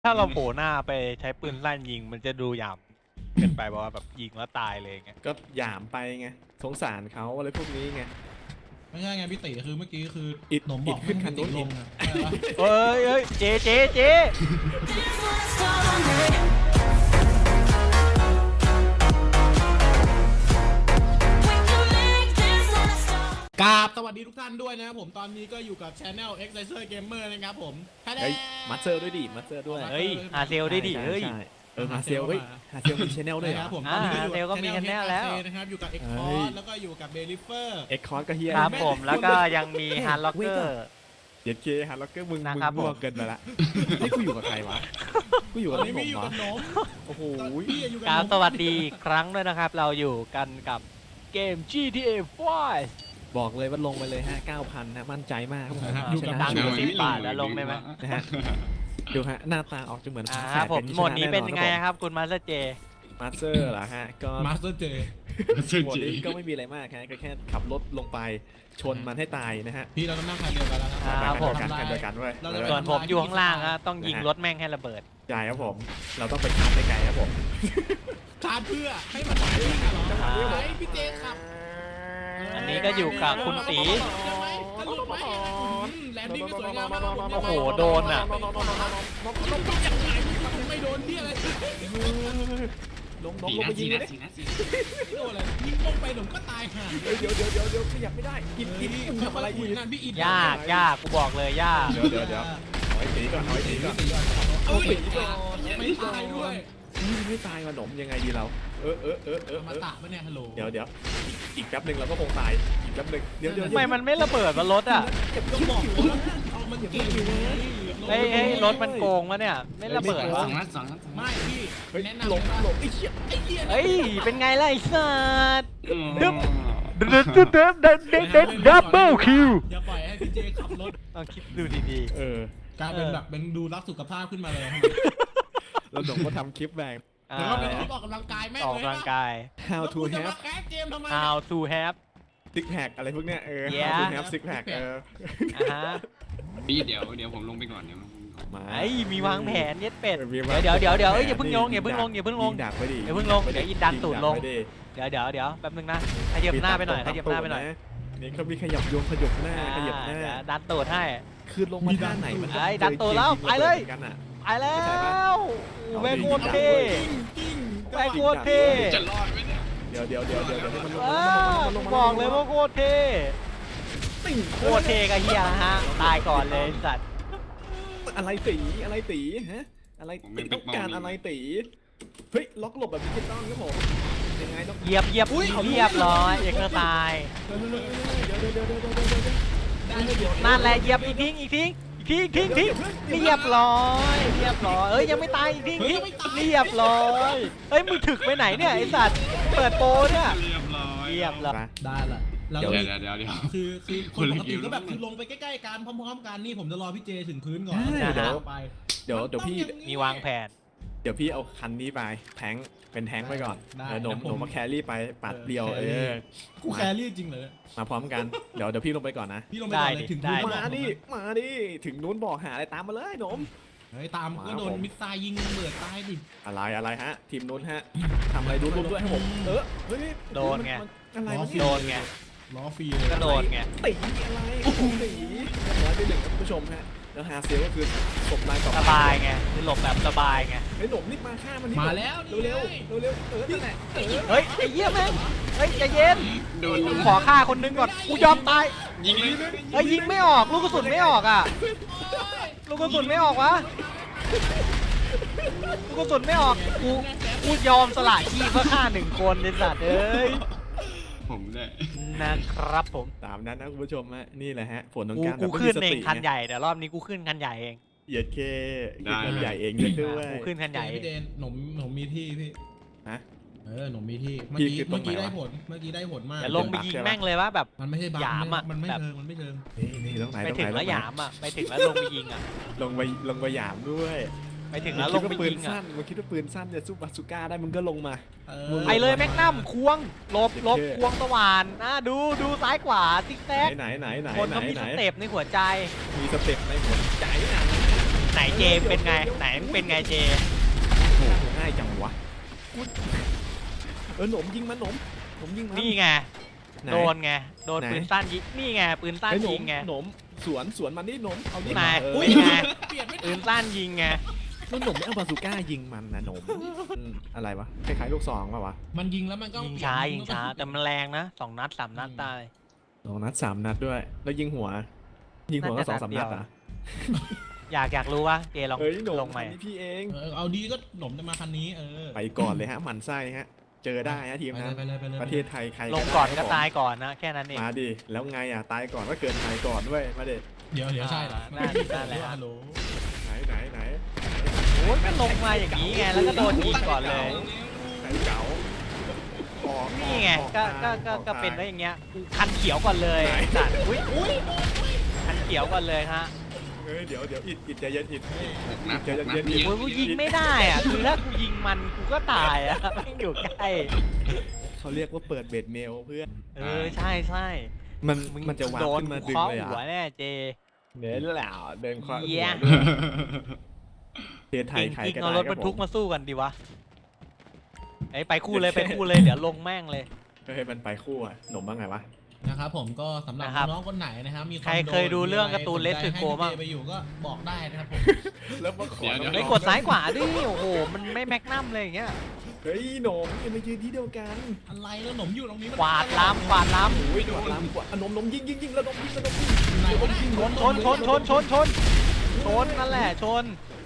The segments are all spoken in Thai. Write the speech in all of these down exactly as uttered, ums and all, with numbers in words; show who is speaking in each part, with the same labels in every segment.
Speaker 1: ถ้าเราโผล่หน้าไปใช้ปืนลั่นยิงมันจะดูหยาบเกินไปบอกว่าแบบยิงแล้วตายเลยไง
Speaker 2: ก็หยามไปไงสงสารเขาอะไรพวกนี้ไง
Speaker 3: ไม่ใช่ไงพี่ติคือเมื่อกี้คือ
Speaker 2: อิด
Speaker 3: หนมบ
Speaker 2: อิ
Speaker 3: อก
Speaker 2: ดขึ้นคันนู้น
Speaker 3: ล
Speaker 2: อี
Speaker 3: ง
Speaker 2: ก
Speaker 3: อะ
Speaker 1: เอ้ยเอ้ยเจ๊เจ๊เจ๊
Speaker 3: กราบสวัสดีทุกท่านด้วยนะครับผมตอนนี้ก็อยู่กับ Channel Exerciser Gamer นะครับผมแท้
Speaker 2: เฮ้ยมัดเซอร์ด้วยดิมัดเซอร์ด้วย
Speaker 1: เฮ้ยหาเซลได้ดิเฮ้ย
Speaker 2: ใช่เออหาเซลเฮ้ยหาเซลมีชแนลด้วย
Speaker 3: นะ
Speaker 2: เหร
Speaker 3: ค
Speaker 2: อ
Speaker 3: รับผม
Speaker 1: อ่า
Speaker 3: ตอนนี้ก็อยู่
Speaker 1: เซลก็มี channel แล้ว
Speaker 3: นะครับอยู่กับ X
Speaker 2: เฮ้
Speaker 3: c o
Speaker 2: ย
Speaker 3: s แล้วก็อยู่กับ b e l i f e r
Speaker 2: เอ็กคอร์ก็เฮีย
Speaker 1: ครับผมแล้วก็ยังมีฮาร์ล็อกเกอร์
Speaker 2: เย็ดเคฮาร์ล็อกเกอร์มึง
Speaker 1: นะ
Speaker 2: มึง
Speaker 1: ครับ
Speaker 2: มั่ว
Speaker 1: ผม
Speaker 2: เกินไปละเฮ้ยกูอยู่กับใครวะกูอยู่
Speaker 3: ต
Speaker 2: กับ
Speaker 3: อน
Speaker 2: น้
Speaker 3: นี้
Speaker 2: องห
Speaker 3: มี
Speaker 2: น
Speaker 3: อ
Speaker 2: ม
Speaker 3: ยู่
Speaker 2: เหร
Speaker 3: กับ
Speaker 2: อ
Speaker 3: หนม
Speaker 2: โอ้โห
Speaker 3: พี่อยู่กับ
Speaker 1: กราบ
Speaker 3: หนม
Speaker 1: สวัสดีอีกครั้งด้วยนะครับ เราอยู่กันกับเกม จี ที เอ ไฟว์
Speaker 2: บอกเลยว่าลงไปเลยฮะ เก้าพัน นะมั่นใจมากครับผม
Speaker 3: นะฮะ
Speaker 1: อยู่กับ
Speaker 2: ช
Speaker 1: ดั
Speaker 2: นะ
Speaker 1: ง
Speaker 2: ชั
Speaker 1: อ
Speaker 2: ว
Speaker 1: ยู่
Speaker 2: ร์
Speaker 1: สิบบาทแล้วลงได้ไหม
Speaker 2: นะฮะดูฮะหน้าตาออกจะเหมือน
Speaker 1: อ่า
Speaker 2: แฝด
Speaker 1: ผม
Speaker 2: กั
Speaker 1: โหมดนี้เป็นยังไง
Speaker 2: ชะแอ
Speaker 1: ครับคุณมาสเตอร์เจ
Speaker 2: มาสเตอร์เหรอฮะก็
Speaker 3: มาสเตอร์เจ
Speaker 2: โหมดนี้ก็ไม่มีอะไรมากฮะก็แค่ขับรถลงไปชนมันให้ตายนะฮะ
Speaker 3: พี่เราต้องนั่งคันเดียวกันแล้วนะ
Speaker 1: อ่า
Speaker 2: กัน
Speaker 1: ผม
Speaker 2: เดียวกันกันเดียวกันเว้ย
Speaker 3: เราจะ
Speaker 1: ส่วนผมอยู่ข้างล่างอะต้องยิงรถแม่งให้ระเบิด
Speaker 2: ใช่ครับผม เราต้องไปชาร์จไกลๆครับผม
Speaker 3: ชาร์จเพื่อให้มันไหวเหรอ
Speaker 1: อ่า
Speaker 3: ไหวพี่เจขับ
Speaker 1: อันนี้ก็อยู่กับคุณตี
Speaker 3: จะหลุดไหมแลนดิ้งก็สวยงามมากครับผม
Speaker 1: โอ้โหโดนอะ
Speaker 3: ยังไงไม่โดนที่อะไร
Speaker 2: ลงลงลงไปยิงเลยดิ
Speaker 3: ไม่โดนอะไรยิงลงไปผมก็ตายห่า
Speaker 2: เฮ้ยเดี๋ยวเดี๋ยวเดี๋ยวเดี๋ยวขยับไม่ได้กินกินมึงทำอะไรอีก
Speaker 3: นั่นพี่อิน
Speaker 1: ยากยากกูบอกเลยยาก
Speaker 2: เดี๋ยวเดี๋ยวเดี๋ยวเอาไอ้ตีก่อนเอาไอ้ตีก่อน
Speaker 3: เอ้ยไม่ตายด้วย
Speaker 2: ไม่ตายมาหนมยังไงดีเรา เออเออเออเออ
Speaker 3: มาตะปะเนี่ยฮัลโหล
Speaker 2: เดี๋ยวเดี๋ยวอีกแป๊บหนึ่งเราก็คงตายอีกแป๊บหนึ่งเดี๋ยวเดี๋ยว
Speaker 1: ทำไมมันไม่ระเบิดวะรถอะ
Speaker 3: ก็บอกว่าเอามันเก่งอยู่นะ
Speaker 1: เฮ้ยเฮ้ยรถมันโกงวะเนี่ยไม่ระเบิดวะ
Speaker 3: ไม่พี่
Speaker 2: เฮ้ย
Speaker 3: แนะ
Speaker 2: หลบ
Speaker 3: นำ
Speaker 2: หลบไอ้เหี้ย
Speaker 3: ไอ้เหี้ย
Speaker 1: เฮ้ยเป็นไงล่ะไอ้สัสดึ๊บดึ๊บดึ๊บดึ๊บดึ๊บดึ๊บดึ๊บดับเบิลคิว
Speaker 3: อย่าปล่อยให้พี่เจขับรถ
Speaker 1: ลองคิดดูดี
Speaker 2: เออก
Speaker 3: ลายเป็นแบบเป็นดูรักสุขภาพขึ้นมาเลย
Speaker 2: แล้วหนมก็ทำคลิปแบง
Speaker 1: ๆอ่า
Speaker 3: แล้วก็เป็นคลิปออกกำลังกายแม่ง
Speaker 1: ออก
Speaker 3: เลย
Speaker 1: กำลังกาย
Speaker 2: how
Speaker 3: แล้ว
Speaker 2: to
Speaker 3: กูจะ
Speaker 2: have
Speaker 3: มาแคสเกมทำไม
Speaker 1: how to have
Speaker 2: six pack อะไรพวกเนี้ยเออ
Speaker 1: Yeah
Speaker 2: how to have six pack เออ
Speaker 1: อ่าฮะ
Speaker 4: พี่เดี๋ยวเดี๋ยวผมลงไปก่อนเดี๋ยวลงไปก่อน
Speaker 2: มา
Speaker 1: ไอ้มีวางแผนเย็ดเป็ด
Speaker 2: มีวาง
Speaker 1: เดี๋ยวเดี๋ยวเดี๋ยวเอ้ย
Speaker 2: แผน
Speaker 1: อย่าเพิ่งลงอย่าเพิ่งลงอย่าเพิ่งลง
Speaker 2: ยิดักไปดิ
Speaker 1: อย่าเพิ่งลงเดี๋ยวอินดันตูดลง
Speaker 2: ยิดักไปดิ
Speaker 1: เดี๋ยวเดี๋ยวเดี๋ยวแป๊บนึงนะขยับหน้าไปหน่อยขยับหน้าไปหน่อย
Speaker 2: นี่เขามีขยับโยงขยับหน้าขยับหน้า
Speaker 1: เดี๋ยวดันตูดให้
Speaker 2: คือลงมาท่าไหนมันก็
Speaker 1: ไอ้ดันตัวแล้วไปเลย
Speaker 2: กันอ่ะ
Speaker 1: ไปแล้ว
Speaker 2: เอาดิ
Speaker 1: แม่งโคตรเท่แม่งโคตรเท่
Speaker 4: จะรอดไหมเนี่ย
Speaker 2: เดี๋ยวเดี๋ยวเดี๋ยวเดี๋ยวเดี๋ยวให้มันลง
Speaker 1: อ้า
Speaker 2: มันลงมันลงมันลง
Speaker 1: บอกเลยว่าโคตรเท่
Speaker 2: ติ่ง
Speaker 1: โคตรเท่กับเฮียฮะตายก่อนเลยสัตว์
Speaker 2: อะไรตีอะไรตีฮะอะไรตีต้องการอะไรตีเฮ้ยล็อกหลบแบบดิจิตอลครับผมยังไงต้อง
Speaker 1: เหยียบเหยียบเรียบร้อยเอกตาย
Speaker 2: เดี๋ยวเดี๋ยวเดี๋ยวเดี๋ยวเดี๋ยวเดี๋ยวเดี๋ยว
Speaker 1: นั่นแหละเหยียบอีกทิ้งอีกทิ้งอีกทิ้งทิ้งทิ้งเรียบร้อยเรียบร้อยเอ้ยยังไม่ตายอีกทิ้งทิ้งเรียบร้อยเฮ้ยมึงถึกไปไหนเนี่ยไอสัตว์เปิดโปรเนี่ย
Speaker 4: เรียบร้อย
Speaker 1: เรียบร้อย
Speaker 2: ไป
Speaker 3: ได้ละแล้ว
Speaker 4: เดี๋ยวเดี๋ยวเดี๋ยวเดี๋ยว
Speaker 3: คือคือคนปกติก็แบบคือลงไปใกล้ๆกันพร้อมๆกันนี่ผมจะรอพี่เจถึงพื้นก่อนแล้วไป
Speaker 2: เดี๋ยวเดี๋ยวพี่
Speaker 1: มีวางแผน
Speaker 2: เดี๋ยวพี่เอาคันนี้ไปแทงเป็นแทงไปก่อนเออหนมหนมมาแครี่ไปปัดเดียวเออ
Speaker 3: กูแครี่จริงเลย
Speaker 2: มาพร้อมกันเดี๋ยวเดี๋ยวพี่ลงไปก่อนนะ
Speaker 3: พี่ลงไปก่อนเลยถึงพื้น
Speaker 2: มาดิมาดิถึงนู้นบอกหาอะไรตามมาเลยหนม
Speaker 3: เฮ้ยตามก็โดนมิสไซยิงเบิดตายดิ
Speaker 2: อะไรอะไรฮะทีมนู้นฮะทำอะไรดูรูปด้วยให้ผมเออเฮ้ย
Speaker 1: โดนไง
Speaker 2: อะไรวะ
Speaker 1: โดนไง
Speaker 3: ล้อฟรีเลย
Speaker 1: ก็โดนไง
Speaker 2: ตีอะไรโอ้โหตีร้อยไปหนึ่งครับผู้ชมฮะแล้วฮาเซลก็คือศพนายต่อ
Speaker 1: สบายไงคือหลบแบบสบายไง
Speaker 2: เฮ้ยหนมนี่มาฆ่ามันนี่
Speaker 3: มาแล้ว
Speaker 2: เร็วเร็วเร็วเร็วเออนั่นแหละเออ
Speaker 1: เฮ้ยไอ้เหี้ยแม่งเฮ้ยใจเย็น
Speaker 4: โดน
Speaker 1: ขอฆ่าคนนึงก่อนกูยอมตาย
Speaker 4: ยิงเลย
Speaker 1: เฮ้ยยิงไม่ออกลูกกระสุนไม่ออกอ่ะลูกกระสุนไม่ออกวะลูกกระสุนไม่ออกกูกูยอมสละชีพเพื่อฆ่าหนึ่งคนในสัตว์เอ้ย
Speaker 4: ผมเนี่ย
Speaker 1: นะครับผม
Speaker 2: ตามนั้นนะคุณผู้ชมฮะนี่แหละฮะผลของ
Speaker 1: กู
Speaker 2: การ
Speaker 1: กู
Speaker 2: แบบ
Speaker 1: ขึ้น
Speaker 2: ไม่
Speaker 1: เอ
Speaker 2: มี
Speaker 1: ง
Speaker 2: สติ
Speaker 1: คันใหญ่แต่รอบนี้กูขึ้นคันใหญ่เอง
Speaker 2: เหยียดเคขึ้นคันใหญ่เองเยอะด้วย
Speaker 1: กูขึ้นคันใหญ่เอ
Speaker 3: พี่เจ
Speaker 1: ง
Speaker 3: นหนมหนมมีที่พี่
Speaker 2: ฮะ
Speaker 3: เออหนมมีที่เมื่อ
Speaker 2: พี่
Speaker 3: กี้
Speaker 2: คือตร
Speaker 3: เมื่
Speaker 2: ง
Speaker 3: อ
Speaker 2: ไหน
Speaker 3: กี้ได้
Speaker 2: วะ
Speaker 3: ผลเมื่อกี้ได้ผลมาก
Speaker 1: อย่าลงไปยิงแม่งเลยว่าแบบ
Speaker 3: มันไม่ใช่บัง
Speaker 1: หยามอะ
Speaker 3: มันไม่
Speaker 1: แบบ
Speaker 3: เชิงมันไม่เชิง
Speaker 2: นี่นี่ตรงไหน
Speaker 1: ไป
Speaker 2: ตรง
Speaker 1: ถึ
Speaker 2: ไหน
Speaker 1: งแล้ว
Speaker 2: ตรง
Speaker 1: ห
Speaker 2: ไหน
Speaker 1: ยามอ่ะไปถึงแล้วลงไปยิงอ่ะ
Speaker 2: ลงไปลงไปหยามด้วย
Speaker 1: ไปถึงแล้วลงไป
Speaker 2: ปืน
Speaker 1: ยิงอ่ะ
Speaker 2: สั้นมึงคิดว่าปืนสั้นจะสู้บาซูก้าได้มึงก็ลงมา
Speaker 3: เอ
Speaker 2: มึ
Speaker 3: อง
Speaker 1: ไปเลยแม็กนัมควงหลบหลบ
Speaker 2: โอเค
Speaker 1: ควงสว่านอ่ะดูดูซ้ายขวาซิกแซก
Speaker 2: ไหนไหนไหน
Speaker 1: คน
Speaker 2: ไหน
Speaker 1: เขามี
Speaker 2: ไหน
Speaker 1: สเต็ปในหัวใจ
Speaker 2: มีสเต็ปในหัวใจนะ
Speaker 1: ไหนเจเป็นไงไหนมึงเป็นไงเจ
Speaker 2: โอ้โหง่ายจังวะเออหนมยิงมันหนมหนมยิงมัน
Speaker 1: นี่ไง
Speaker 2: ไหน
Speaker 1: โดนไงโดน
Speaker 2: ไหน
Speaker 1: ปืนสั้นยิงนี่ไงปืนสั้น
Speaker 2: ไอ้หน
Speaker 1: ยิ
Speaker 2: ม
Speaker 1: งไง
Speaker 2: หนมสวนสวนมันนี่หนมเอาดิ
Speaker 1: นาย
Speaker 2: เออ
Speaker 1: อุ้ยไง
Speaker 3: เปลี่ยนไม่
Speaker 1: ปืนสั้นยิงไง
Speaker 2: แล้วหนมไม่เอาบาซูก้ายิงมันนะหนมอืมอะไรวะคล้ายๆลูกซองป่ะวะ
Speaker 3: มันยิงแล้วมันก็
Speaker 1: ยิงช้ายิงช้าแต่มันแรงนะสองนัดสามนัดตาย
Speaker 2: สองนัดสามนัดด้วย แล้วยิงหัว ยิงหัวก็สองสามนัดอ่ะ
Speaker 1: อยากอยากรู้ว่าเจลอง
Speaker 2: เฮ้ยหนม
Speaker 1: ลงไหม
Speaker 2: อันนี้พี่เอง
Speaker 3: เออเอาดีก็หนมจะมาคันนี้เออ
Speaker 2: ไปก่อนเลยฮะหมันไส้ฮะ เจอได้ฮะทีม
Speaker 3: ไป
Speaker 2: นั้น
Speaker 3: เลยไปเลยไปเลย
Speaker 2: ประเทศไทยใคร
Speaker 1: ลงก่อน
Speaker 2: ได้
Speaker 1: ก็
Speaker 2: ครับผม
Speaker 1: ตายก่อนนะแค่นั้นเอง
Speaker 2: มาดิแล้วไงอ่ะตายก่อนก็เกินตายก่อนด้วยมาดิ
Speaker 3: เดี๋ยวเดี๋ยวใช่เหรอ
Speaker 1: น่าน่าแหละ
Speaker 3: ฮัลโหล
Speaker 2: ไหนไหนไหน
Speaker 1: โอ้ยก็ลงมาอย่างนี้ไงแล้วก็โดนยิงก่อนเลย
Speaker 2: ไหนเก๋าออก
Speaker 1: นี่ไง
Speaker 2: ออ
Speaker 1: ก็ก็ก็
Speaker 2: ออ
Speaker 1: ก็เป็นได้อย่างเงี้ยคันเขียวก่อนเลยจัดอุ้ยคันเขียวก่อนเลยฮะ
Speaker 2: เฮ้ยเดี๋ยวเดี๋ยวอิดอิดใจเย็นอิด
Speaker 4: หกนัด
Speaker 2: เดี๋ยว
Speaker 4: หกนัด
Speaker 2: เย็นๆ
Speaker 4: ไม่เย
Speaker 1: โอ้ย
Speaker 4: อะ
Speaker 1: กูยิงไม่ได้อ่ะคือถ้ากูยิงมันกูก็ตายอ่ะแม่งอยู่ใกล้
Speaker 2: เขาเรียกว่าเปิดเบดเมลเพื่อน
Speaker 1: เออใช่ใช่
Speaker 2: มัน
Speaker 1: มึง
Speaker 2: มันจะวาง
Speaker 1: โดน
Speaker 2: ขึ้นมาดึง
Speaker 1: เคาะ
Speaker 2: เลย
Speaker 1: หัว
Speaker 2: อ่ะ
Speaker 1: แน่เจ
Speaker 2: เน้นแล้วเดินคว้าหั
Speaker 1: เหี้
Speaker 2: วย ด้วยประเทศไทย
Speaker 1: เก่ง
Speaker 2: ใคร
Speaker 1: จริง
Speaker 2: ก็
Speaker 1: เอา
Speaker 2: ได้
Speaker 1: รถ
Speaker 2: ค
Speaker 1: บ
Speaker 2: รั
Speaker 1: ร
Speaker 2: บ
Speaker 1: ร
Speaker 2: ผ
Speaker 1: ทุก
Speaker 2: ม
Speaker 1: มาสู้กันดีวะไอ้ยไปคู่เลยไปคู่เลยเดี๋ยวลงแม่งเลย
Speaker 2: เฮ้ยมันไปคู่อ่ะหนมบ้างไงวะ
Speaker 3: นะครับผมก็สำหรับ
Speaker 1: นะครับ
Speaker 3: น้องๆคนไหนนะครับมีวาม
Speaker 1: ใครเคยดูเรื่องการ์ตูน
Speaker 3: สนใจ
Speaker 1: Red Circle
Speaker 3: ให้
Speaker 1: บ้าง
Speaker 3: พี่เจไปอยู่ก็บอกได้นะครับผม
Speaker 2: แล้วมาขอ
Speaker 4: เดี๋ยว
Speaker 1: ไอ้ยกดซ้ายขวาดิโอ้โหมันไม่แม็กนัมเลยอย่างเงี้ย
Speaker 2: เฮ้ยหนมอย่ามายืนที่เดียวกัน
Speaker 3: อะไรแล้วหนมอยู่ตรงนี้มัน
Speaker 1: กวาดล้ำกวาดล้
Speaker 2: โอ้ยกวาดลำกวาดอ่ะหนมหนมยิงยิงยิงแล้วหนมยิงแล้วหนมยิง
Speaker 3: ไหนวะเย
Speaker 1: ำชนชนชนชนชนชนนั่นแหละชน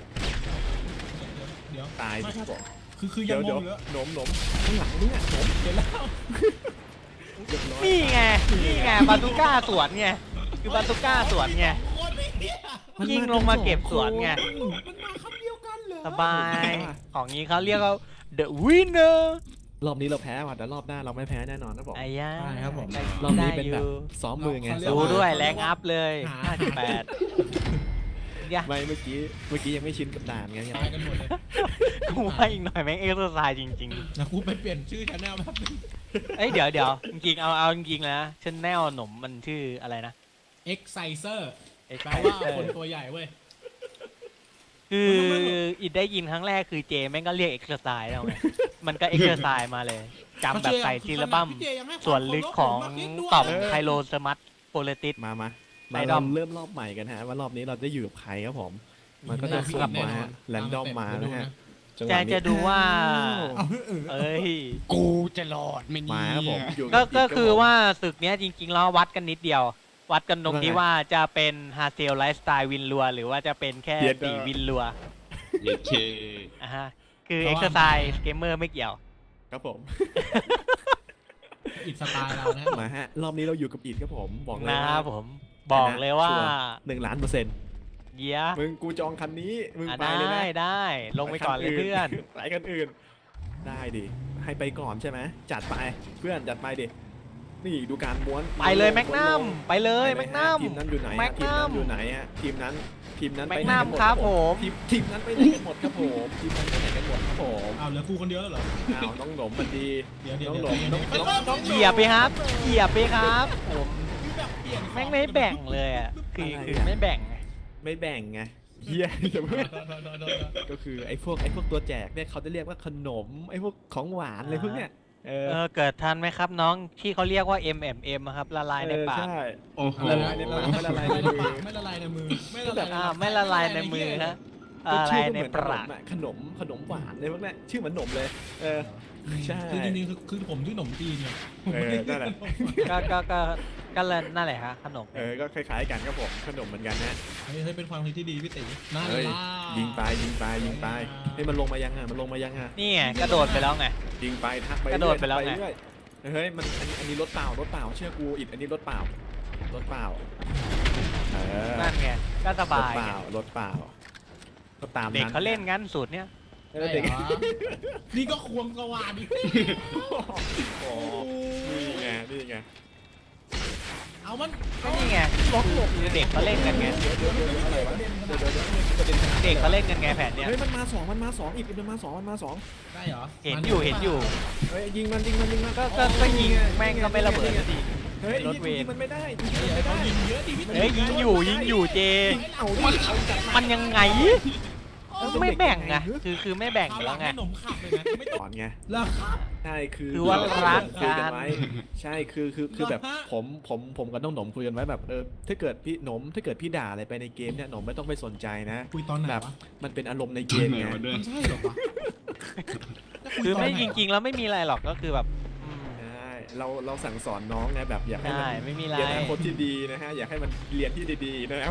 Speaker 3: เดี๋ยว
Speaker 2: ตายสิครับผม
Speaker 3: คือคือยั
Speaker 2: เดี๋ย
Speaker 3: ง
Speaker 2: ว
Speaker 3: ง
Speaker 2: เดี๋ยว
Speaker 3: งอยู่แล้ว
Speaker 2: หนมหนมข้างหลังนี่อ่ะหนม
Speaker 3: เห็นแล้ว
Speaker 2: เรียบร้อย
Speaker 1: นี่ไงนี่ไงบาซูก้าสวนไงคือบาซูก้าสวนไง
Speaker 3: โคตรไม่เหี้ย
Speaker 2: น
Speaker 1: ยิงลงมาเก็บสวนไง
Speaker 3: มันมาคำเดียวกันเหรอ
Speaker 1: สบาย ของนี้เขาเรียกว่า the winner
Speaker 2: รอบนี้เราแพ้ว่ะแต่รอบหน้าเราไม่แพ้แน่นอนนะผม
Speaker 1: ไอ้ย่าร
Speaker 2: อบนี้เป็นแบบซ้อมมือไง
Speaker 1: ดูด้วยแรงอัพเลยห้าสิบแปดยะ
Speaker 2: ไม่เมื่อกี้เมื่อกี้ยังไม่ชินกับด่านไง
Speaker 3: ตายกันหมดเลย
Speaker 1: กูว่าอีกหน่อยแม่งเอ็กซ์ไซส์จริง
Speaker 3: นะกูไปเปลี่ยนชื่อชาแนลแป๊บนึง
Speaker 1: ๆ เอ้ยเดี๋ยวเดี๋ยวจริงๆเอาเอาจริงๆนะชแนลหนมมันชื่ออะไรนะ
Speaker 3: Exciser
Speaker 1: เอ็ก
Speaker 3: แป
Speaker 1: ไซ
Speaker 3: ลว่า
Speaker 1: เซอ
Speaker 3: คน
Speaker 1: ร์
Speaker 3: ตัวใหญ่เว้ย
Speaker 1: คืออิดได้ยินครั้งแรกคือเจแม่งก็เรียกเอ็กซ์ไซส์แล้วไงมันก็เอ็กซ์ไซส์มาเลยจำแบบใส่ทีละบั้ม
Speaker 3: พี่เจยังให้ความ
Speaker 1: ส่วนลึกของ
Speaker 3: เคารพผมมากนิดด้วย
Speaker 1: ต่อมไคโลสมัตโปเลติส
Speaker 2: มามา
Speaker 1: ไอ
Speaker 2: มา
Speaker 1: ดอ
Speaker 2: เรา
Speaker 1: ม
Speaker 2: เริ่มรอบใหม่กันฮะว่ารอบนี้เราจะอยู่กับใครครับผม มันก็จะสุ่มมาแรนดอมมานะฮะจังห
Speaker 1: จะ
Speaker 2: วะนี้
Speaker 1: จะดูว่า
Speaker 3: เอาเออ
Speaker 1: เอ้ย
Speaker 4: กูจะรอดไหม่นี่
Speaker 2: มาครับผมอยู่
Speaker 1: ก็
Speaker 2: บ
Speaker 1: ก็
Speaker 2: ด
Speaker 1: คือ
Speaker 2: รับผม
Speaker 1: ว่าศึกเนี้ยจริงๆแล้ววัดกันนิดเดียว วัดกันตรงที่
Speaker 2: ว่าไง
Speaker 1: ว่าจะเป็นฮาเซลไลฟ์สไตล์วินลัว หรือว่าจะเป็นแค่
Speaker 2: เย็ด
Speaker 1: ตี
Speaker 2: เด้อ
Speaker 1: วินลัว
Speaker 4: เยเค
Speaker 1: อ่ะฮะคือเอ็กซ์ไซส์เกมเมอร์ไม่เกี่ยว
Speaker 2: ครับผม
Speaker 3: อิดสไตล์เรานะ
Speaker 2: มาฮะรอบนี้เราอยู่กับอีดครับผมบอกเลย
Speaker 1: นะค
Speaker 2: ว่า
Speaker 1: รับผมบอกเลยว่า
Speaker 2: ชัร์หนึ่งล้านเปอร์เซ็นต์
Speaker 1: เยีย
Speaker 2: มึงกูจองคันนี้มึง
Speaker 1: อ่ะ
Speaker 2: ไป
Speaker 1: ได้
Speaker 2: เลยนะ
Speaker 1: ได้ลงไปก่อนเลยเพื่อน
Speaker 2: ไปกันอื่น ได้ดิให้ไปก่อนใช่ไหมจัดไปเพื่อนจัดไปดินี่ดูการม้วน
Speaker 1: ไปเลยแมกนัม
Speaker 2: ม้วนลง
Speaker 1: ไปเลย
Speaker 2: ไป
Speaker 1: แม
Speaker 2: ฮะ
Speaker 1: กนัม
Speaker 2: ทีมนั้นอยู่ไหน
Speaker 1: แม
Speaker 2: ฮะ
Speaker 1: ก
Speaker 2: ทีม
Speaker 1: นั
Speaker 2: นั้
Speaker 1: ม
Speaker 2: นอยู่ไหนฮะทีมนั้นทีมนั้น
Speaker 1: แม
Speaker 2: ไป
Speaker 1: ก
Speaker 2: ไหน
Speaker 1: นั
Speaker 2: กั
Speaker 1: ม
Speaker 2: นหมด
Speaker 1: ครับผม
Speaker 2: ทีมทีมนั้นไปไหนกันหมดครับผมทีมนั้นไปไหนกันหมดครับผม
Speaker 3: เอาเหลือกูคนเดียวแล้วเหรอ
Speaker 2: อ้าวน้องหนมมันดี
Speaker 3: เดี๋ยวเดี๋ยว
Speaker 2: น้อง
Speaker 3: เดี๋
Speaker 2: ห
Speaker 3: ย
Speaker 2: น
Speaker 3: ว
Speaker 2: ม
Speaker 3: เดี๋ยว
Speaker 2: น้องน้อง
Speaker 1: เหยียบไปครับเหยียบไปครับผม
Speaker 3: คือแบบเปลี่ยน
Speaker 1: แม่งไม่แบ่งเลยอ่ะคือคือไม่แบ่งไง
Speaker 2: ไม่แบ่งไงเฮียอย่าเพิ่งก็คือไอ้พวกไอ้พวกตัวแจกเนี่ยเขาจะเรียกว่าขนมไอ้พวกของหวานอะไรพวกเนี้ยเออ
Speaker 1: เออเกิดทันไหมครับน้องที่เขาเรียกว่า เอ็ม เอ็ม เอ็ม อะครับละลายในปาก
Speaker 2: เออใช่
Speaker 4: โอ้โห
Speaker 2: ละลายในปากไม่ละลายในมือ
Speaker 3: ไม่ละลายในมือไม่ละลาย
Speaker 1: อ่าไม่ละลายในมือฮะ
Speaker 2: ก็
Speaker 1: อะไร
Speaker 2: ชื่อก็
Speaker 1: ใน
Speaker 2: เหมือน
Speaker 1: ป
Speaker 2: ขน
Speaker 1: าก
Speaker 2: มอะขนมขนมหวานอะไรพวกเนี้ยชื่อเหมือนขนมเลย เออใช่
Speaker 3: คือจริงๆคือคือผมชื่อหนมจีนเนี่ยผม
Speaker 2: เอ
Speaker 3: ไม่
Speaker 2: อ
Speaker 3: ได้
Speaker 2: นั่นแหละ
Speaker 1: ก็ก็ก็ก็เลยนั่นแหละฮะขนม
Speaker 2: เออก็คล้ายๆกันครับผมขนมเหมือนกันนะ
Speaker 3: เฮ้ยเฮ้ยเป็นความคิดที่ดีพี่ตีน่า
Speaker 2: เฮ้ย
Speaker 3: ล่า
Speaker 2: ยิงไปยิงไปยิงไปให้ยมันลงมายังอ่ะมันลงมายังอ่ะ
Speaker 1: นี่ไงกระโดดไปแล้วไง
Speaker 2: ยิงไปทักไป
Speaker 1: กระโดดไปแล้วไง
Speaker 2: เรื่อยเฮ้ยมันอันนี้อันนี้รถเปล่ารถเปล่าเชื่อกูอิดอันนี้รถเปล่ารถเปล่าเออ
Speaker 1: นั่นไงก็ส
Speaker 2: รถ
Speaker 1: บาย
Speaker 2: เป
Speaker 1: ไง
Speaker 2: ล่ารถเปล่าก็ตาม
Speaker 1: เด็ก
Speaker 2: นั้น
Speaker 1: เขาเล่นงั้นสูตรเนี้ย
Speaker 2: เอ
Speaker 3: ได้
Speaker 2: อเด็ก
Speaker 3: เหรอนี่ก็ควงกระวานดิ
Speaker 2: โอ้นี่ไงนี่ไง
Speaker 3: เอามัน
Speaker 1: ก็นี่ไงคือเด็กเขาเล่นกันไง
Speaker 2: เดี๋ยวเดี๋ยวเดี๋ยวอะไรวะเดี๋ยวเดี๋ยวเดี๋ยวประเด็นขนาด
Speaker 1: เด็กเขาเล่นกันไงแผนเนี้ย
Speaker 2: เฮ้ยมันมาสองมันมาสองอีกมันมาสองมันมาสอง
Speaker 3: ได้เหรอ
Speaker 1: เห็นอยู่เห็นอยู่
Speaker 2: เฮ้ยยิงมันยิงมันยิงมัน
Speaker 1: ก็ก็ก็ยิงแม่งก็ไม่ระเบิดสักที
Speaker 2: ฮเฮ้ย
Speaker 1: รถเว
Speaker 2: ยิ
Speaker 1: ร
Speaker 2: งมันไม่ได้ยิง
Speaker 3: เฮ้ย
Speaker 2: มันไม่
Speaker 3: เขา
Speaker 2: ได้
Speaker 3: ยิงเยอะดิพี่
Speaker 1: เฮ้ยยิงอยู่ยิงอยู่เจ
Speaker 2: เอาดิเอาจัดา
Speaker 1: มันยังไงไม่แบ่งไงคือคือไม่แบ่ง
Speaker 3: เอาห
Speaker 1: แล้
Speaker 3: ลั
Speaker 1: ว
Speaker 3: ง
Speaker 1: ไง
Speaker 3: ให้หนมขับเลยนะไม่ต้อง
Speaker 2: ก่อนไง
Speaker 3: แล้วครับ
Speaker 2: ใช่คือ
Speaker 1: คือว่ารัก
Speaker 2: คุย
Speaker 1: กัน
Speaker 2: ไว้ใช่คือคือคือแบบ
Speaker 3: เหรอฮะ
Speaker 2: ผมผมผมกับน้องหนมคุยกันไว้แบบเออถ้าเกิดพี่หนมถ้าเกิดพี่ด่าอะไรไปในเกมเนี่ยหนมไม่ต้องไปสนใจนะ
Speaker 3: คุยตอนไหน
Speaker 2: แบบ
Speaker 3: วะ
Speaker 2: มันเป็นอารมณ์ในเกมไง
Speaker 3: มันใช่เหรอวะ
Speaker 1: คือไม่จริงๆแล้วไม่มีอะไรหรอกก็คือแบบอืม
Speaker 2: ใช่เราเราสั่งสอนน้องไงแบบอยากให้มัน
Speaker 1: ใช่ไม่มีอะไร
Speaker 2: เรียนอนาคตที่ดีนะฮะอยากให้มันเรียนที่ดีๆนะครับ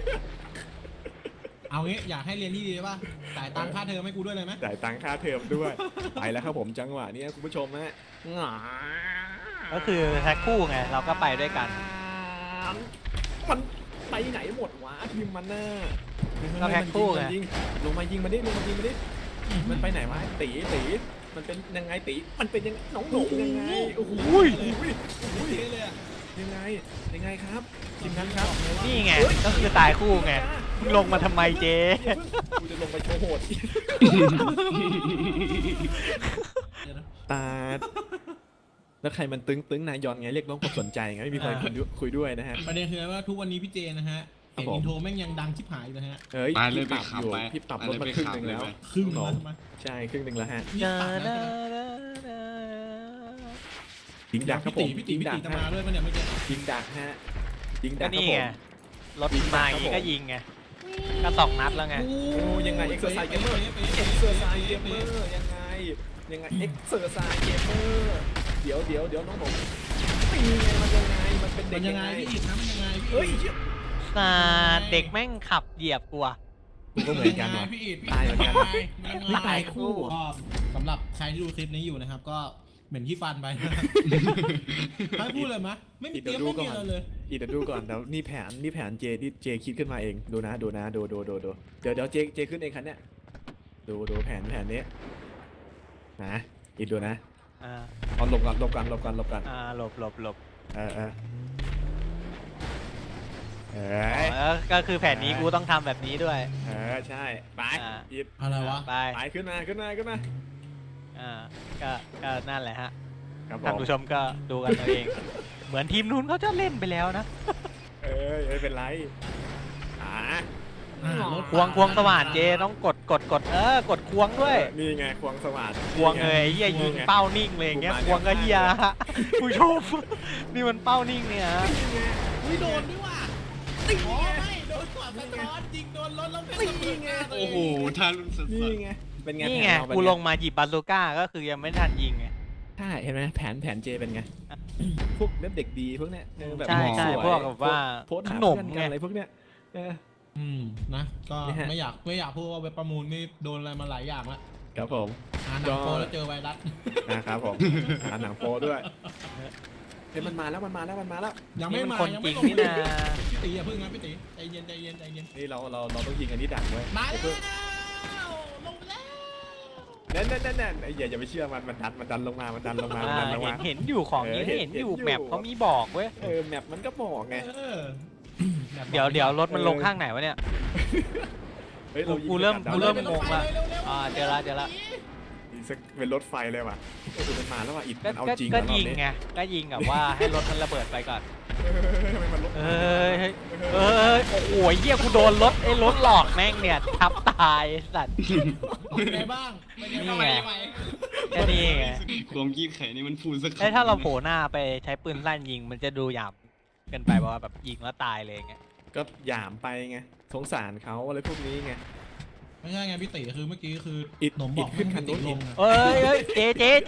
Speaker 3: เอางี้อยากให้เรียนที่ดีป่ะจ่ายตังค่าเทอมให้กูด้วยเลยไหม
Speaker 2: จ่ายตังค่าเทอมด้วย ไปแล้วครับผมจังหวะนี้คุณผู้ชมฮะ
Speaker 1: ก็คือแท็กคู่ไงเราก็ไปด้วยกัน
Speaker 2: มันไปไหนหมดวะทีมมันน่ะ
Speaker 1: ก็แพ็คคู่ไง
Speaker 2: มันยิงลงมายิงมาดิลงมายิงมาดิมันไปไหนวะตีตีมันเป็นยังไงตีมันเป็นยังน้องหนงยังไงโอ้โห
Speaker 1: อุ้ย
Speaker 3: เท่เลยอะ
Speaker 2: ยังไงยังไงครับทีมนั้นครับ
Speaker 1: นี่ไงก็คือตายคู่ไงมึงลงมาทำไมเจ
Speaker 2: กูจะลงไปโชว์โหดตาแล้วใครมันตึงตึงนายยอนไงเรียกร้องความสนใจไงไม่มีใครคุยด้วยคุยด้วยนะฮะ
Speaker 3: ประเด็นคือว่าทุกวันนี้พี่เจนะฮะ
Speaker 2: ครั
Speaker 3: เสี
Speaker 2: บ
Speaker 3: ยง
Speaker 2: ผม
Speaker 3: อินโทรแม่งยังดังชิบหายอยู่นะฮะ
Speaker 2: เฮ้ย
Speaker 4: ไปเลย
Speaker 2: พี่ปรับ
Speaker 4: ไปขับ
Speaker 2: อยู่
Speaker 4: ไป
Speaker 2: พี่ปรับ
Speaker 4: ไป
Speaker 2: รถ
Speaker 4: เลย
Speaker 2: มา
Speaker 4: ไป
Speaker 2: ครึ่ง
Speaker 4: ขับ
Speaker 2: หนึ่งแล้ว
Speaker 4: เลยไป
Speaker 3: ครึ่ง
Speaker 2: หนอ
Speaker 3: นะ
Speaker 2: ม
Speaker 3: มา
Speaker 2: ใช่ครึ่งหนึ่งแล้วฮะ
Speaker 3: นี่ตัดนะ
Speaker 2: ยิงดักครับผ
Speaker 3: พี่
Speaker 2: ม
Speaker 3: ตีพี่ตี
Speaker 2: ยิง
Speaker 3: พี่
Speaker 2: ดั
Speaker 3: ตี
Speaker 2: ก
Speaker 3: จะ
Speaker 2: ฮะ
Speaker 3: มาด้วยปะเนี่ยเมื่อกี้
Speaker 2: ยิงดักฮะยิงดั
Speaker 1: ก็
Speaker 2: กครับ
Speaker 1: นี่
Speaker 2: ผ
Speaker 1: ไง
Speaker 2: ม
Speaker 1: รถมาอย่างงี้ก็ยิงไงก็สองนัดแล้วไง
Speaker 3: โอ้
Speaker 2: โอ้ยังไงเอ็กซ์เซอร์ไซส์เกมเมอร์เอ็กซ์เซอร์ไซส์เกมเมอร์ยังไงยังไงเอ็กซ์เซอร์ไซส์เกมเมอร์เดี๋ยวเดี๋ยวเดี๋ยวน้องผมตีไงมันยังไงมันเป็นเด็
Speaker 3: มั
Speaker 2: ก
Speaker 3: นยั
Speaker 2: ยัง ง
Speaker 3: ไง
Speaker 2: ไง
Speaker 3: พี่อีกนะมันยังไงพี่
Speaker 2: เฮ้ย
Speaker 3: อีก
Speaker 1: สาดเด็กแม่งขับเหยียบกูอะ
Speaker 2: กูก็เหมือนกัน
Speaker 3: มั
Speaker 2: ว่ะ
Speaker 3: ยังไงพี่อีก
Speaker 2: ตายเหมือนกัน
Speaker 3: มันยังไง
Speaker 2: ตายคู่
Speaker 3: ก็สำหรับใครที่ดูคลิปนี้อยู่นะครับ ก็เหม็นขี้ฟันไปนะครับให้พูดเลยมะไม่มีเตรียมไม่มีอะไรเลย
Speaker 2: อีเดี๋ยวดูก่อนเดี๋ยวนี่แผนนี่แผนเจที่เจคิดขึ้นมาเองดูนะดูนะดูดูดูดูเดี๋ยวเดี๋ยวเจเจขึ้นเองคันเนี้ยดูดูแผนแผนนี้นะอีกดูนะ
Speaker 1: อ่า
Speaker 2: เอาหลบกันหลบกันหลบกันหลบกัน
Speaker 1: อ่าหลบหลบหลบ
Speaker 2: เออเออเอ
Speaker 1: อ๋
Speaker 2: อ
Speaker 1: อก็คือแผนนี้กูต้องทำแบบนี้ด้วย
Speaker 2: เออใช่ไป
Speaker 1: อ่า
Speaker 2: อีด
Speaker 3: อะไรวะ
Speaker 1: ไป
Speaker 2: ไปขึ้นมาขึ้นมาขึ้นมา
Speaker 1: อ่าก็ก็นั่นแหละฮะ
Speaker 2: ครับผ
Speaker 1: ท่าน
Speaker 2: ม
Speaker 1: ผู้ชมก็ดูกันเอาเอง เหมือนทีมนู้นเขาจะเล่นไปแล้วนะ
Speaker 2: เออไม่เป็นไรอ่า
Speaker 3: อ่ารถ
Speaker 1: ควงควงสว่านเจต้องกดกดกดเออกดควงด้วย
Speaker 2: นี่ไงควงสว่าน
Speaker 1: ควงเลยไอ้เฮียยิงเป้านิ่งเลยอย่างเงี้ยควงก็เฮียฮะผู้ชมนี่มันเป้านิ่งเนี่ยฮะ
Speaker 3: อุ้ยโดนด้วยว่ะอ๋อไม่โดนขวาสะท้อนจริงโดนรถแล้วเป็นระเบิดหน้าตัวเง
Speaker 4: โอ้โหทารุณสุด
Speaker 2: นี่ไงเป็นไง
Speaker 1: นี่
Speaker 2: แผ
Speaker 1: ไง
Speaker 2: เราเป็น
Speaker 1: กูลงมาหยิบบาซูก้าก็คือยังไม่ทันยิงไง
Speaker 2: ใช่เห็นไหมแผนแผนเจเป็นไงพวกเด็กดีพวกเนี้ยเออแบบ
Speaker 1: ใช่ใช่
Speaker 2: สย
Speaker 1: พวกแบบว่า
Speaker 2: โพสต์
Speaker 1: ข
Speaker 2: หาน
Speaker 1: ม
Speaker 2: เพื่อน
Speaker 1: ไง
Speaker 2: กันอะไรพวกเนี้ยเออ
Speaker 3: อืมนะก็
Speaker 2: นี่ฮะ
Speaker 3: ไม่อยากไม่อยากพูดว่าเว็บประมูลนี่โดนอะไรมาหลายอย่างแล้ว
Speaker 2: ครับผม
Speaker 3: อ่านหนังโปแล้วเจอไวรัส
Speaker 2: นะครับผมอ่านหนังโปด้วยเฮ้ยมันมาแล้วมันมาแล้วมันมาแล้ว
Speaker 3: ยังไม่
Speaker 1: นี่มัน
Speaker 3: มา
Speaker 1: คน
Speaker 3: ยัง
Speaker 1: จริ
Speaker 3: ไม่
Speaker 1: ง
Speaker 3: ลง
Speaker 1: นี่
Speaker 3: มือ
Speaker 1: นะ
Speaker 3: พี่ตีอย่าพึ่งนะพี่ตีใจเย็นใจเย็นใจเย็น
Speaker 2: นี่เราเราเราต้องยิงอันนี้ดักไว้
Speaker 3: มา
Speaker 2: ไอ้
Speaker 3: แล้
Speaker 2: เพื่อน
Speaker 3: วลงแล้ว
Speaker 2: นั่นนั่นนั่นนั่นไอ้อย่าอย่าไปเชื่อมันมันดันมันดันลงมามันดันลงมามัน
Speaker 1: อ่า
Speaker 2: ดันลง
Speaker 1: เห็
Speaker 2: มาน
Speaker 1: เห็นอยู่ของนี้
Speaker 2: เออเห็น
Speaker 1: เห็นอยู่
Speaker 2: เห็นอยู่
Speaker 1: แมปเขามีบอกเว้ย
Speaker 2: เออแมปมันก็บอกไง
Speaker 3: เออ
Speaker 1: เดี๋ยวเดี๋ยวรถมันลงข้างไหนวะเนี่ย
Speaker 2: เฮ้ยเรายิง
Speaker 1: กูเริ่ม
Speaker 2: ดัน
Speaker 1: กูเริ่ม
Speaker 2: ได้
Speaker 1: งงละ อ่าเจอละเจอละ
Speaker 2: อีกสักเป็นรถไฟเลยว่ะโอ้โหมันมาแล้วว่ะอิด
Speaker 1: ก็
Speaker 2: มันเอา
Speaker 1: ก็
Speaker 2: จริง
Speaker 1: ก็
Speaker 2: แล้วรอบ
Speaker 1: ยิง
Speaker 2: นี้
Speaker 1: ไงก็ยิงแบบว่าให้รถมันระเบิดไปก่อน
Speaker 2: เออทำไมมันรถ
Speaker 1: เอ้ยเอ้ยโอ้โหเหี้ยกูโดนรถไอ้รถหลอกแม่งเนี่ยทับตายไอ้สัตว์
Speaker 3: เป็นไงบ้างเป็นไงบ้าง
Speaker 1: นี่ไง
Speaker 3: ไป
Speaker 1: แค่นี้ไง
Speaker 4: ความยีบไข่นี่มันพูดสัก
Speaker 1: ไอ้ยถ้าเราโผล่หน้าไปใช้ปืนลั่นยิงมันจะดูหยาบเกินไปเพราะว่าแบบยิงแล้วตายเลยไง
Speaker 2: ก็หยามไปไงสงสารเขาอะไรพวกนี้ไง
Speaker 3: ไม่ใช่ไงพี่ตีคือเมื่อกี้คือ
Speaker 2: อิด
Speaker 3: หนมบอก
Speaker 2: อิดขึ้นคันนู้น
Speaker 3: ให้พี่ตีลงอะ
Speaker 1: เอ้ยเอ้ยเจเจเจ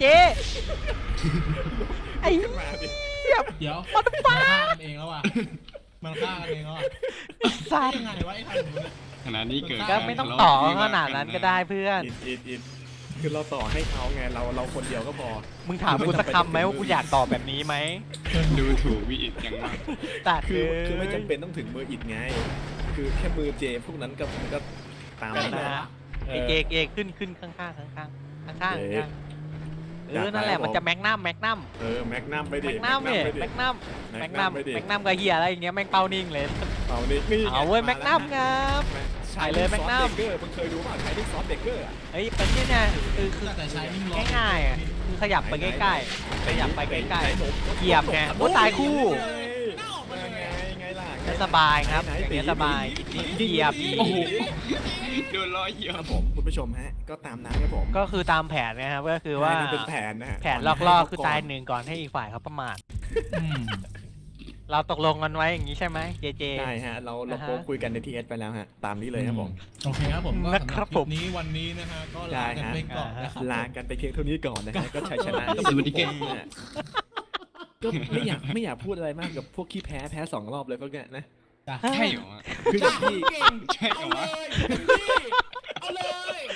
Speaker 1: ไอ้
Speaker 2: ขึ้นมาดิ
Speaker 3: เดี๋ยวมันฆ่ากันเองแล้วว่ะมันฆ่ากันเองแล้วว่ะ
Speaker 1: สัตว์
Speaker 3: ยังไงวะไอ้ทางนู้นเนี่ย
Speaker 4: ขนาดนี้เกิด
Speaker 1: ก็ไม่ต้องต่อขนาดนั้นก็ได้เพื่อน
Speaker 2: อิดอิดอิดคือเราต่อให้เขาไงเราเราคนเดียวก็พอ
Speaker 1: มึงถามกูสักคำไหมว่ากูอยากตอบแบบนี้ไหม
Speaker 4: ดูถูกวิอิดจังมาก
Speaker 1: ตัด
Speaker 2: คือ
Speaker 1: เลย
Speaker 2: คือไม่จำเป็นต้องถึงมืออิดไง คือแค่มือเจพวกนั้นก็ก็ตาม
Speaker 1: ก็
Speaker 2: นั้น
Speaker 1: นะ
Speaker 2: แหละ
Speaker 1: ฮะไอเจเจขึ้นขึ้นข้างข้างข้างข้างข้างข้าง
Speaker 2: เอ๊ะ
Speaker 1: ข้างเออนั่นแหละมันจะแมกนัมแมกนัม
Speaker 2: เออแมกนัมไปดิ
Speaker 1: แมกนัมเนี่ย
Speaker 2: ไปดิ
Speaker 1: แมกนัมแมกนัม
Speaker 2: ไปดิ
Speaker 1: แมกนัมกับเฮียอะไรอย่างเงี้ยแม่งเป้านิ่งเลย
Speaker 2: เอานี่นี่ไง
Speaker 1: เอาเว้ยแมกนัมครับ
Speaker 2: ส
Speaker 1: ไปเลยแม็กนัม
Speaker 2: เกอร์มึงเคยดูป่ะชายนิ่งซอฟเบเกอร์อ่ะ
Speaker 1: เฮ้ยเป็นเนี่ยนะคือคือ
Speaker 3: แต่ใช้นิ่งร้อง
Speaker 1: ง่ายๆอ่ะคือขยับไปใกล้ๆขยับไปใกล้ๆเหยียบไงโอ้ตายคู่
Speaker 2: ไงไงล่ะ
Speaker 1: จะสบายครับอย่างเงี้ยสบายเหยียบ
Speaker 4: โอ้โหโดนล้อเหยีย
Speaker 2: ครับ บผมคุณผู้ชมฮะก็ตามนั้นครับผม
Speaker 1: ก็คือตามแผนนะครับก็คือว่า
Speaker 2: มันเป็นแผนนะฮะ
Speaker 1: แผนลอกล่อคือตายหนึ่งก่อนให้อีกฝ่ายเขาประมาท
Speaker 3: อืม
Speaker 1: เราตกลงกันไว้อย่างนี้ใช่ไหมเจเจ
Speaker 2: ใช่ฮะเราเรา
Speaker 1: อ่าฮะ
Speaker 2: โพสต์คุยกันในทีเอสไปแล้วฮะตามนี้เลยครับผม
Speaker 3: โอเคครับผมก็
Speaker 1: นะ
Speaker 3: สำห
Speaker 1: ครั
Speaker 3: รั
Speaker 1: บบ ผม
Speaker 3: คลิปนี้วันนี้นะฮะก็ลากันไปก่อนนะครับ
Speaker 2: ลากันไปเพียงเท่านี้ก่อนนะฮะก็ชัยชนะก็
Speaker 4: ส
Speaker 2: เป็น
Speaker 4: วัสดี
Speaker 2: ผ
Speaker 4: เก่ง
Speaker 2: มนะฮะก็ไม่อยากไม่อยากพูดอะไรมากกับพวกขี้แพ้แพ้สองรอบเลยพวกเนี้ยนะ
Speaker 3: จ้ะ
Speaker 4: ใช่เหรอ
Speaker 2: คือกับที่
Speaker 3: เก่ง
Speaker 4: ใช่เหร
Speaker 3: เอา
Speaker 4: อ
Speaker 3: เล
Speaker 4: วะ
Speaker 3: ยพี่เอาเลย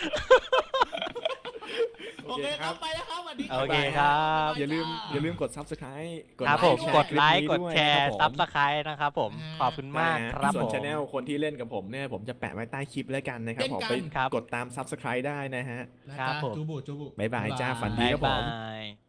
Speaker 2: โอ
Speaker 3: โอ
Speaker 2: เค
Speaker 3: เค
Speaker 2: ค
Speaker 3: ค
Speaker 2: รั
Speaker 3: รับ บไปแล้วครับสวัสดี
Speaker 1: โอเคครับ
Speaker 2: อย่าลืมอย่าลืมกด ซับสไครบ์
Speaker 1: ครับผมกดไลค์
Speaker 2: แช
Speaker 1: ก
Speaker 2: ร์
Speaker 1: ด
Speaker 2: คลิปนี้
Speaker 1: แชร์
Speaker 2: ด้วย
Speaker 1: ซับ
Speaker 2: นะ
Speaker 1: สไครต์นะครับผมขอบคุณมากครับ
Speaker 2: ส่วน
Speaker 1: ผม
Speaker 2: ช anel คนที่เล่นกับผมเนี่ยผมจะแปะไว้ใต้คลิปแล้วกันนะครับผมไป
Speaker 1: ครับ
Speaker 2: กดตาม ซับสไครบ์ ได้นะฮะ
Speaker 3: นะ
Speaker 1: ครั
Speaker 3: จ๊ะ
Speaker 1: บผม
Speaker 3: จูบุจูบุ
Speaker 2: บ๊ายบายจ้าฝันดี
Speaker 1: บ๊าย
Speaker 2: ครับผม
Speaker 1: บาย